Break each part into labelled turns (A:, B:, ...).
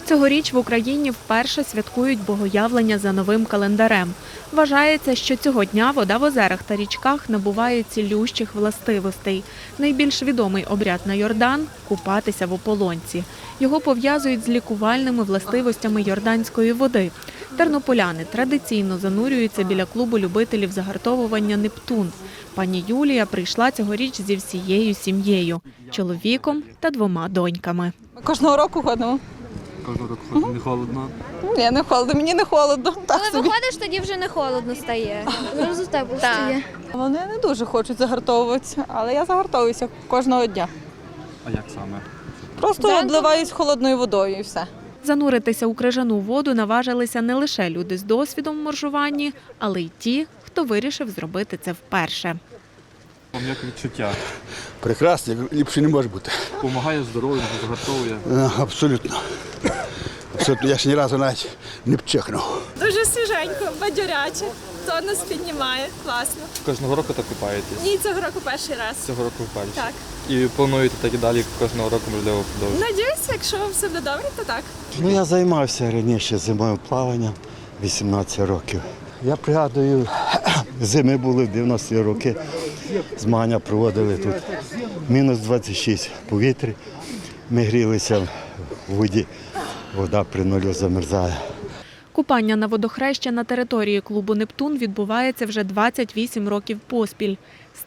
A: Цьогоріч в Україні вперше святкують Богоявлення за новим календарем. Вважається, що цього дня вода в озерах та річках набуває цілющих властивостей. Найбільш відомий обряд на Йордан – купатися в ополонці. Його пов'язують з лікувальними властивостями йорданської води. Тернополяни традиційно занурюються біля клубу любителів загартовування «Нептун». Пані Юлія прийшла цьогоріч зі всією сім'єю – чоловіком та 2 доньками.
B: Ми кожного року ходимо.
C: Кожного року ходить. Не холодно?
B: Ні, не холодно, мені не холодно. Так
D: Коли
B: собі.
D: виходиш, тоді вже не холодно стає. Зразу тепло стає.
B: Вони не дуже хочуть загартовуватися, але я загартовуюся кожного дня.
C: А як саме?
B: Просто обливаюсь холодною водою і все.
A: Зануритися у крижану воду наважилися не лише люди з досвідом в моржуванні, але й ті, хто вирішив зробити це вперше.
C: Вам як відчуття?
E: Прекрасно, ліпше не може бути.
C: Помагає здоров'ю, загартовує?
E: Абсолютно. Абсолютно. Я ж ні разу навіть не пчихнув.
F: Дуже свіженько, бадьоряче, тонус піднімає, класно.
C: Кожного року так купаєтесь?
F: Ні, цього року перший раз.
C: Цього року вперше?
F: Так.
C: І плануєте так і далі кожного року, можливо, продовжувати?
F: Надіюся, якщо все буде добре, то так.
G: Я займався раніше зимовим плаванням 18 років. Я пригадую, зими були в 90-ті роки, змагання проводили тут. Мінус 26 повітря, ми грілися в воді, вода при нулю замерзає.
A: Купання на водохреща на території клубу «Нептун» відбувається вже 28 років поспіль, з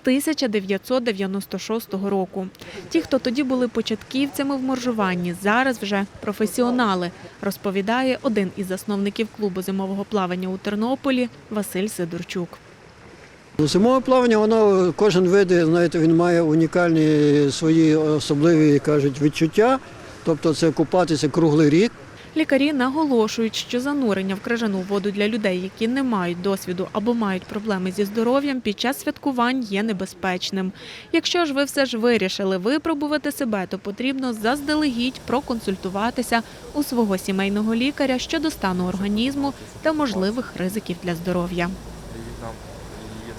A: 1996 року. Ті, хто тоді були початківцями в моржуванні, зараз вже професіонали, розповідає один із засновників клубу зимового плавання у Тернополі Василь Сидорчук.
H: Зимове плавання, воно, кожен вид, знаєте, він має унікальні свої особливі, кажуть, відчуття. Тобто це купатися круглий рік.
A: Лікарі наголошують, що занурення в крижану воду для людей, які не мають досвіду або мають проблеми зі здоров'ям, під час святкувань є небезпечним. Якщо ж ви все ж вирішили випробувати себе, то потрібно заздалегідь проконсультуватися у свого сімейного лікаря щодо стану організму та можливих ризиків для здоров'я.